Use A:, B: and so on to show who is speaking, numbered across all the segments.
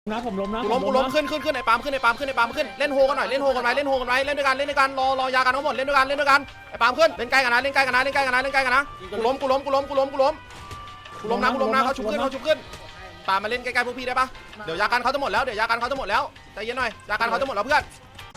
A: นะผมล้มนะ
B: กูล้มขึ้นไอ้ปามขึ้นเล่นโฮกันหน่อยเล่นด้วยกันเล่นรอยากันทั้งหมดเล่นด้วยกันไอ้ปามขึ้นเล่นใกล้กันนะกูล้มนะเขาชุบขึ้นปามมาเล่นใกล้ๆพวกพี่ได้ปะเดี๋ยวยากันเขาจะหมดแล้วใจเย็นหน่อยยากันเขาจะหมดแล้วเพื่อน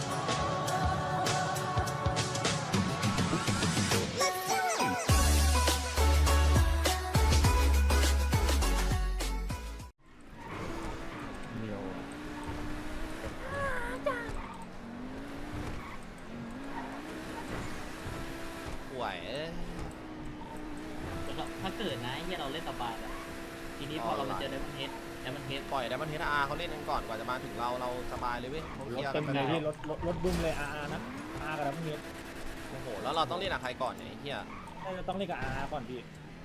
C: ถ้าเกิดนะที่เราเล่นสบายอะทีนี้พอเรามาเจอไดมอนเฮด
B: ปล่อยไดมอนเฮดเขาเล่นกันก่อนกว่าจะมาถึงเราสบายเลยเว้ยเขาเคลียร์
A: เต็
B: กั
A: ม
B: นไป
A: เลย
B: แล้ว
A: พี่รถบึ้มเลยนะกับแล้วพวกนี้
B: โอ้โหแล้วเราต้องเล่นกับใครก่อนเนี่ยไอ้เหี้ย
A: ต้องเล่นกับก่อนพี่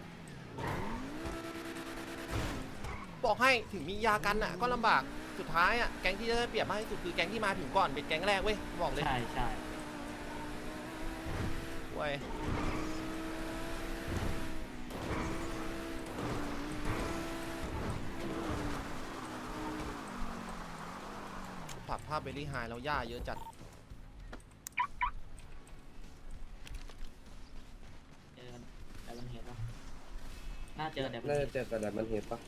B: บอกให้ถึงมียากันอ่ะก็ลำบากสุดท้ายอ่ะแก๊งที่จะได้เปรียบมากที่สุดคือแก๊งที่มาถึงก่อนเป็นแก๊งแรกเว้ยบอกเลย
C: ใช่
B: เว้ยผักภาพเบลลี่ไฮแล้วย่าเยอะจัด
C: เจอไดมอนเฮดปะน่าเจอไดมอน
D: น่า
C: เฮ
D: จะ
C: ด
D: เจอแต่ดับมันเห็นปะ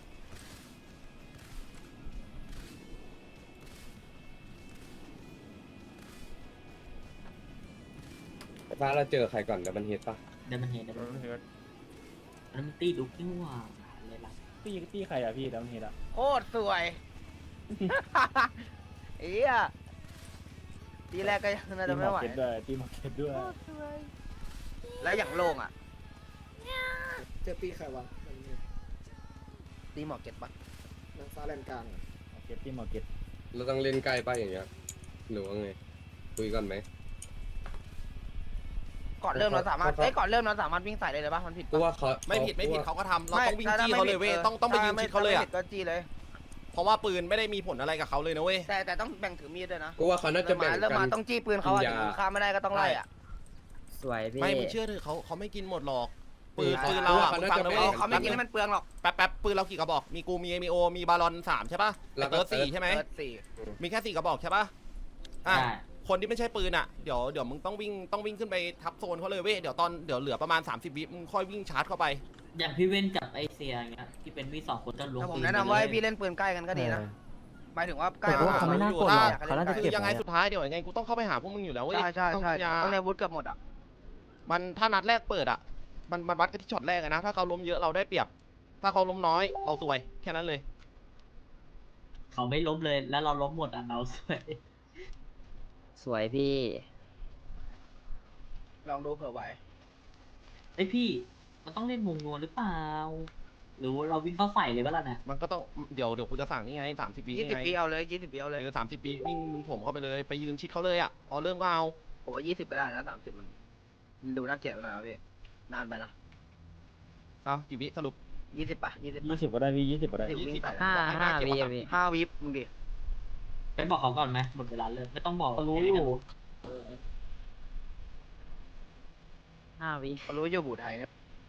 D: ฟ้าเราเจอใครก่อนดับมันเห็นปะ
C: ไดมอนเฮดอันนั้นมันตีดุกนี่หว่าเลยล่ะ
A: พี่ใครอะพี่แล้วเฮดอะ
E: โคตรสวยเอียทีแรกก็ยังน่าจะไม่ไหว
A: ตีมาร์เก็ตด้วย
E: โคตรสวยแล้วอย่างโล่งอ่ะ
F: เจอตีใครวะ
E: ตีหมอกเก็ตปะ
F: นางฟ้าแลนกลาง
A: ตีมาร์เก็ต
D: เราต้องเล่นใกล้ปะอย่างเงี้ยหรือว่าไงคุยก่อนไหม
E: ก่อนเริ่มเราสามารถก่อนเริ่มเราสามารถวิ่งใส่ได้เลยปะมันผิด
D: กู
E: ปะ
D: ว่าเขา
B: ไม่ผิดเขาก็ทำเราต้องวิ่งจี้เขาเลยเว้ยต้องไปยืนชิดเขาเลยอ่ะ
E: ก็จี้เลย
B: เพราะว่าปืนไม่ได้มีผลอะไรกับเขาเลยนะเว้ย
E: แต่ต้องแบ่งถือมีดด้วยนะ
D: กูว่าเขาน่าจะแบ่ง
E: เริ่ม
D: กั
E: มาน ต้องจี้ปืนเขาอะ
D: กินยา
E: ถึงฆ่าไม่ได้ก็ต้องไล่อะ
G: สวยพี่
B: ไม่มึงเชื่อเถอะเขาไม่กินหมดหรอกปืนเราอ่ะฟังนะเว้ย
E: เขาไม่กินให้มันเปลืองหรอก
B: แป๊บปืนเรากี่กระบอกมีกูมีโอมีบาลอน3ใช่ป่ะแล้วก็4ใช่ไหม
E: สี่
B: มีแค่4กระบอกใช่ป่ะอ่ะ
C: ใช่
B: คนที่ไม่ใช่ปืนอ่ะเดี๋ยวมึงต้องวิ่งขึ้นไปทับโซนเขาเลยเว้ยเดี๋ยวเหลือประมาณ30วิมึงค่อยวิ่งชาร์จเข้าไป
C: อย่างพี่เว้นกับไอเซียอย่างเงี้ยที่เป็นมี2 คนจะลง
E: แต่ผม
C: ปืน
E: แนะนำว่าให้พี่เล่นปืนใกล้กันก็ดีนะหมายถึงว่าใกล้
G: แต่ว่าเขาไม่น่ากดหรอกเขาน่าจะ
B: คื
G: เก็บ
B: อยังไง
G: ไว้
B: สุดท้ายเดี๋ยวยังไงกูต้องเข้าไปหาพวกมึงอยู่แล้วเว้ย
E: ใช่ต้องในวุฒิเกือบหมดอ่ะ
B: มันถ้านัดแรกเปิดอ่ะมันวัดกันที่ช็อตแรกนะถ้าเขาล้มเยอะเราได้เปรียบถ้าเขาล้มน้อยเราซวยแค่นั้นเลย
C: เขาไม่ล้มเลยแล้วเราล้มหมดอ่ะเราสวย
G: สวยพี่
E: ลองดูเผื่อไหว
C: ไอพี่มันต้องเล่นวงนวลหรือเปล่าหรือว่าเราวิ่งเข้าใส่เลยก็แล้วนะ
B: มันก็ต้องเดี๋ยวกูจะสั่งนี่ไง30 วิ
E: 20
B: ไง
E: ปีเอาเลย20 ปีเอาเลย
B: 30 วิวิ่งผมเข้าไปเลยไปยืนชิดเขาเลยอ่ะพอเริ่มก็เอา
E: ผมว่า20ก็ได้นะ30มันดูน่าเกลียดไปหน่อยครับพี่นานไปนะ
B: เอากี่วิสรุป
E: 20ป่ะ20
A: 20ก็ได้พี่20ก็ได้
E: วิ่งใส่
G: 5 วิพี่
E: 5 วิมึงดิ
C: ไปบอกเขาก่อนไหมหมดเวลาเลยไม่ต้องบอก
A: รู้อยู่
G: 5 วิ
E: เขารู้อยู่บูไทยเนี่ย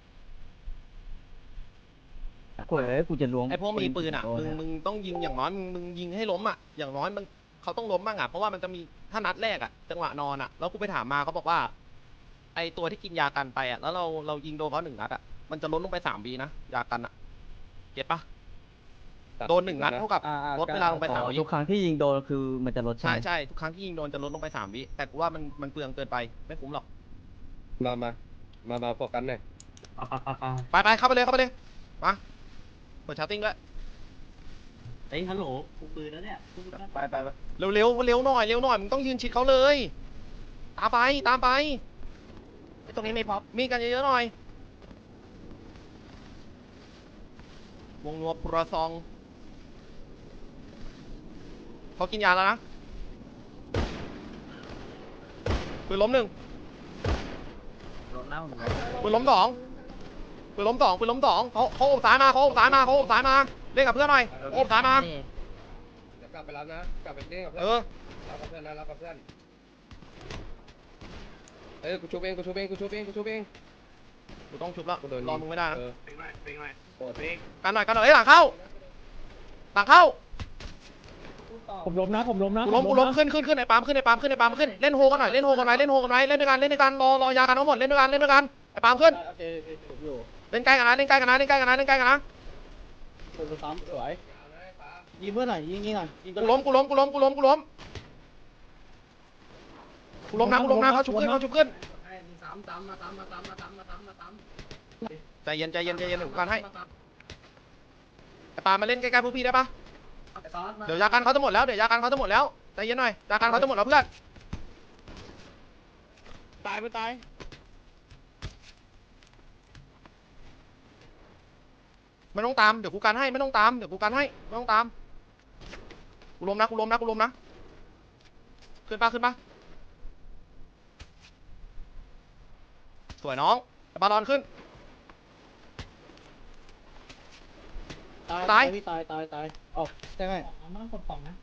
G: กูจะล้วง
B: ไอ้พวกมีปืนอ่ะมึงต้องยิงอย่างน้อยมึงยิงให้ล้มอ่ะอย่างน้อยมันเขาต้องล้มบ้างอ่ะเพราะว่ามันจะมีถ้านัดแรกอ่ะจังหวะนอนอ่ะแล้วกูไปถามมาเขาบอกว่าไอ้ตัวที่กินยากันไปอ่ะแล้วเรายิงโดนเขา1 นัดอ่ะมันจะลดลงไป3 วินะยากันอ่ะเก็ตปะโดน1 นัดเท่ากับลดเวลาลงไป3 วิ
G: ทุกครั้งที่ยิงโดนคือมันจะลด
B: ใช่ทุกครั้งที่ยิงโดนจะลดลงไป3 วิแต่กูว่ามันเปลืองเกินไปไม่คุ้มหรอก
D: มาโฟกัสหน่อย
B: ไปเข้าไปเลยมาเปิดชาร์ติ้งด้วย
C: เฮ้ยฮัลโหลกูปืนแล้วเนี่ยกูปืนแล้ว
E: ไป
B: เร็วหน่อยมึงต้องยืนชิดเขาเลยตามไป
E: ตรงนี้ไม่พอ
B: มีกันเยอะๆหน่อย วงนัวปลาซองเขากินยาแล้วนะปืนล้ม1
G: ลงเน่า
B: ปืนล้ม2เขาอบซ้ายมาเล่นกับเพื่อนหน่อยอบซ้ายมา
D: เดี๋ยวกลับไปรับนะกลับไปเล่นกับเพื่
B: เอ
D: อน
B: อ
D: รับกับเพื่อนนะรับกับเพื่อนกูชุบเองกู
B: ต้องชุบแล้ว
D: กูโดน
B: รอมึงไม่ได้นะ
D: เป็นไง
B: กันหน่อยหลังเข้า
A: ผมล้มนะผมล้มนะ
B: กูล้มขึ้นไอ้ปาล์มขึ้นเล่นโฮกันหน่อยเล่นด้วยกันเล่นด้วยกันรอยากันทั้งหมดเล่นด้วยกันไอ้ปาล์มขึ้นเล่นใกล้กันนะ
A: ผมซ้ำสวยยิงเพื่อนหน่อยยิงหน่อยยิง
B: กูล้มนะเขาชุบขึ้นใจเย็นเดี๋ยวกันให้ไอ้ปาล์มมาเล่นใกล้ๆพวกพี่ได้ปะเดี๋ยวยากันเขาจะหมดแล้วใจเย็นหน่อยยากันเขาจะหมดแล้วเพื่อน
A: ตายไม่ตาย
B: ไม่ต้องตามเดี๋ยวกูกันให้ไม่ต้องตามกูล้มนะขึ้นปะสวยน้องบาลอนขึ้น ตาย
A: พี่ตายออกใช่ไหม
C: มากดของนะ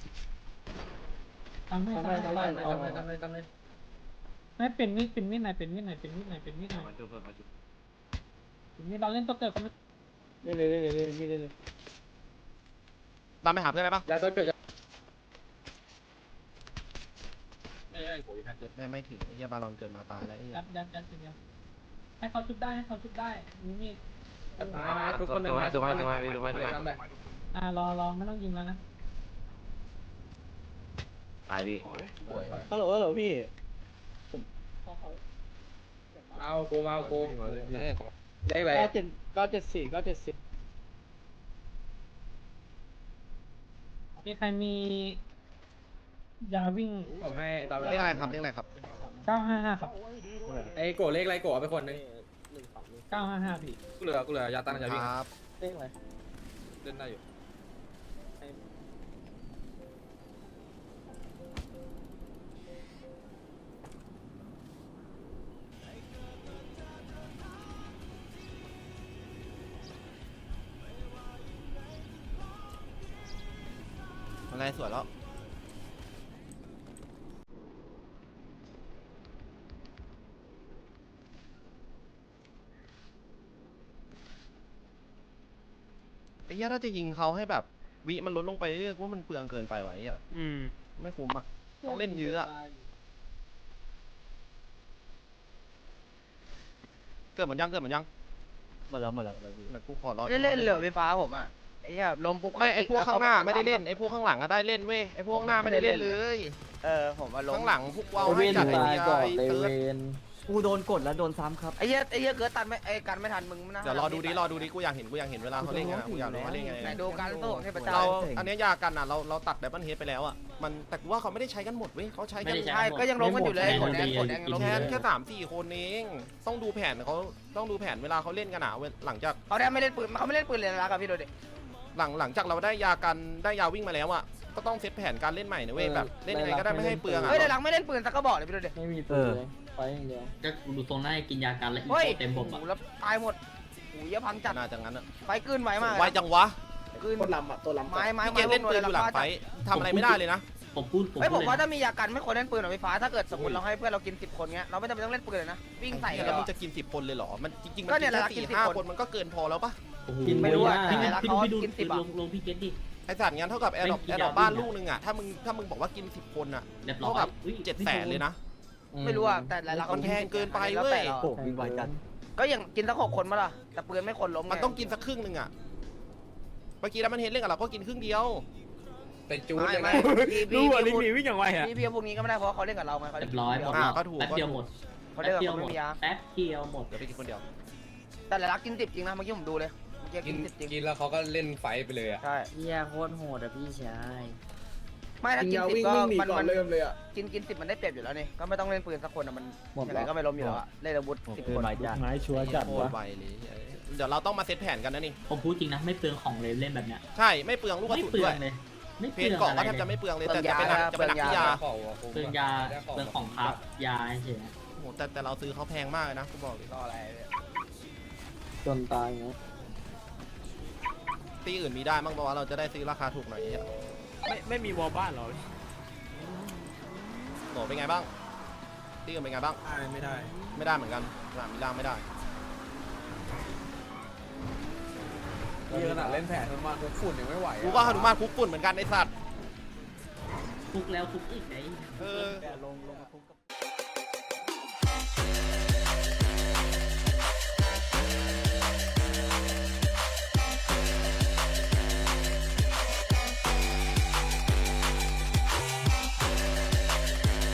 C: ทำให้ไม่เป็นมีดไหนเราเล่นตัวเกิดก็ไม่
A: เล่น
B: ตามไปหาเพื่อนได้ปะ
A: แล้วต้นเกิด
B: ไม่ถึงไอ้เหี้ยบาลอนเกิดมาตายแล้วไอ้เหี้ย
C: ยัดทีเดียวให้เขาชุบได้มีด
A: ทุกคนเลยดูไหม
C: รอไม่ต้องยิงแล้วนะ
E: ตายพี่
A: ฮัลโหลพี่เอากูได้ไหม974
C: มีใครมียาวิ่ง
A: ผมให้ตาม
B: เรียกอะไรครับ
C: 955ครับ
D: ไอ้โกเลขไรโกไปคนนึง
C: 955พี่
D: กูเหลือยาตั้งยาวิ่ง
B: ครับ
A: เลขอะไร
D: เล่นได้อยู่
B: อะไรสวยแล้วไอ้เหี้ยถ้าจะยิงเขาให้แบบวิมันลดลงไปเรื่อยๆว่ามันเปลืองเกินไปไว้อะไม่คุ้มอ่ะต้องเล่นเยอะอะเกิดหมดยัง
G: หมดแล้ว
B: เดี๋ยวกูขอรอ
E: เล่นเหลือไฟฟ้าผมอ่ะไอ้เหี้ยลมปุ๊บ
B: ไม่ไอ้พวกข้างหน้าไม่ได้เล่นไอ้พวกข้างหลังอะได้เล่นเว้ยไอ้พวกข้างหน้าไม่ได้เล่นเลย
E: ผมมาลม
B: ข้างหลังพวกเราให้จัดไอ้เหี้ยไอ้เติร์ด
G: กูโดนกดแล้วโดนซ้ำครับ
E: ไอ้เหี้ยเกิดตันไม่กันไม่ทันมึงนะ
B: เดี๋ยวรอดูดิกูอยากเห็นเวลาเขาเล่นกันอะกูอยากรู้เขาเล่นกันยัง
E: ไหน
B: ไง
E: ดูการสู้ของเทพเจ้า
B: เราอันเนี้ยยากันอะเราตัดไดมอนด์เฮดไปแล้วอะมันแต่กูว่าเขาไม่ได้ใช้กันหมดเว้ยเขาใช้กัน
E: ใช่ก็ยังล้มกันอยู่เลยกดแดงล้ม
B: แค่3-4 คนเองต้องดูแผนเวลาเขาเล่นกันอะหลังจาก
E: เขาไม่เล่นปืนเลยนะพี่ดูดิ
B: หลังจากเราได้ยากันได้ยาวิ่งมาแล้วอะก็ต้องเซตแผนการเล่นใหม่นะเว้ยแบบเล่นยังไงก็ได้ไม่ให้เปลืองอะ
E: เฮ้ยในหลังไม่เล่นปืนสักก็บอกเลยพี่ดูดิ
A: ไม่มีตัวเลยไปอย่างเดียว
C: ก็ดูตรงหน้ากินยากันแล้วอี
E: เฮ้ย
C: โคเต็มบบอ่ะ
E: แล้วตายหมดหูเยอะพังจัด
B: น่าจะงั้นอะ
E: ไฟกลืนไวมาก
B: ไวจังวะ
E: กลืน
F: ตัวลำอ่ะตัวลำ
E: ไม้
B: พี่เกมเล่นปืนอยู่หลังไฟทำอะไรไม่ได้เลยนะ
C: ผมพูด
E: เฮ้ยผม
C: เลย
E: ว่าถ้ามียากันไม่ควรเล่นปืนหรอกไฟฟ้าถ้าเกิดสมมติเราให้เพื่อนเรากิน10 คนเงี้ยเราไม่จำเป็นต้องเล่นปืนเลยนะวิ่งใส่กัน
B: แล้วมึงจะกิน10 คนเลยเหรอมันจริงๆมัน
E: ก็
B: กิ
E: เนี่ย
B: น
E: แหละ
B: แค่
E: กิน
B: 4-5
E: 10
B: คนมันก็เกินพอแล้วปะ
C: โอ้โห
E: ไม่รู้อะ
C: พี่
E: แต่
C: พี่
E: เขา
C: ดู
E: กิน10อะ
C: ลงพี่เกตดิ
B: ไอสัตว์งั้นเท่ากับแอร์ดรอป
C: ไม่กินยา
B: บ้าน
C: วิ่งอะ
B: ลูกนึงอะถ้ามึงบอกว่ากิน10 คนอะ
C: เรียบร้อ
B: เท่าย กับ
C: อุ๊ย
B: 700,000เลยนะ
E: ไม่รู้อะแต่ละ
B: มันแพงเกินไปเว้ย
E: แล้วแต่รา
G: โอ้วิ่งไวจัด
E: ก็อย่างกินสัก6 คนมาล่ะแต่ปืนไม่คนล้มไ
B: มันต้องกินสักครึ่งนึงอะเมื่อกี้แล้วมันเห็นเล่นกับเราก็กินครึ่งเดียว
D: เป็นจูดเลย
E: ไม่
D: นะ
E: พี่พูด
A: วิ่งอย่างไรอ่ะ
E: พี่พวกนี้ก็ไม่ได้เพราะเขาเล่นกับเราไงเขา
C: เรี
E: เล่
C: ย
E: น
C: บร้อยหมด
B: ก็ถูก
C: แป๊บเดียวหมด
E: เขาเล่นกับเขาไม่มียา
C: แป๊บเดียวหมด
B: เดี๋ยวไปกินคนเดียว
E: แต่ละรักกิน10จริงนะเมื่อกี้ผมดูเลยเมื่อกี้
D: กิ
E: กิ
D: น
E: น10จริง
D: กินแล้วเขาก็เล่นไฟไปเลยอ่ะ
E: ใช่
G: เฮียโคตรโหดอะพี่ชาย
E: ไม่ถ้ากิน
F: วิ่ง
E: 10ก็
F: วิ่งหนี
E: มัน
F: ก่อนเริ่มเลยอ่ะ
E: กิน10มันได้เปรียบอยู่แล้วนี่ก็ไม่ต้องเล่นปืนสักคนอะมันยังไงก็ไม่ล้มอยู่แล้วอะเล่นอาวุธ10 คน
A: ไม้ชัวร์จัด
B: โคต
A: วะ
B: รไวเลยเดี๋ยวเราต้องมาเซตแผนกันนะนี่
C: ผมพูดจริงนะไม่เปลืองของเลยเล่นแบบเนี้ย
B: ใช่ไม่เปลืองลูกกระ
C: ไม่
B: สุน
C: เปลื
B: ด้
C: อ
B: วย
C: งเลยไม่
B: เพ
C: เปลื
B: น
C: อง
B: เกาะ
C: อะไร
B: ก็แทบ
C: เล
B: จะ
C: ย
B: ไม่เปลืองเลยแต่จะเป็นหนักที่ยา
C: เปลืองยาเปลืองของครับยาเฉย
B: โอ้โหแต่เราซื้อเขาแพงมากเลยนะกูบอกเลย
E: ก็อะไร
A: จนตายเงี้ย
B: ตีอื่นมีได้บ้างเพราะว่าเราจะได้ซื้อราคาถูกหน่อยเนี่ย
A: ไม่มีวอลบ้านหรอ
B: โหเป็นไงบ้างตีอื่นเป็นไงบ้าง
D: ไม่ได้
B: ไม่ได้เหมือนกันสนามมีล่างไม่ได้
D: นี่ขนาดเล่นแผนมันมาคุกฝุ่นยังไม่ไหว
B: กูก็หนุมานคุกฝุ่นเหมือนกันไอสัตว์
C: คุกแล้วคุกอีกไง
B: เออ
G: ลงมาคุกกับ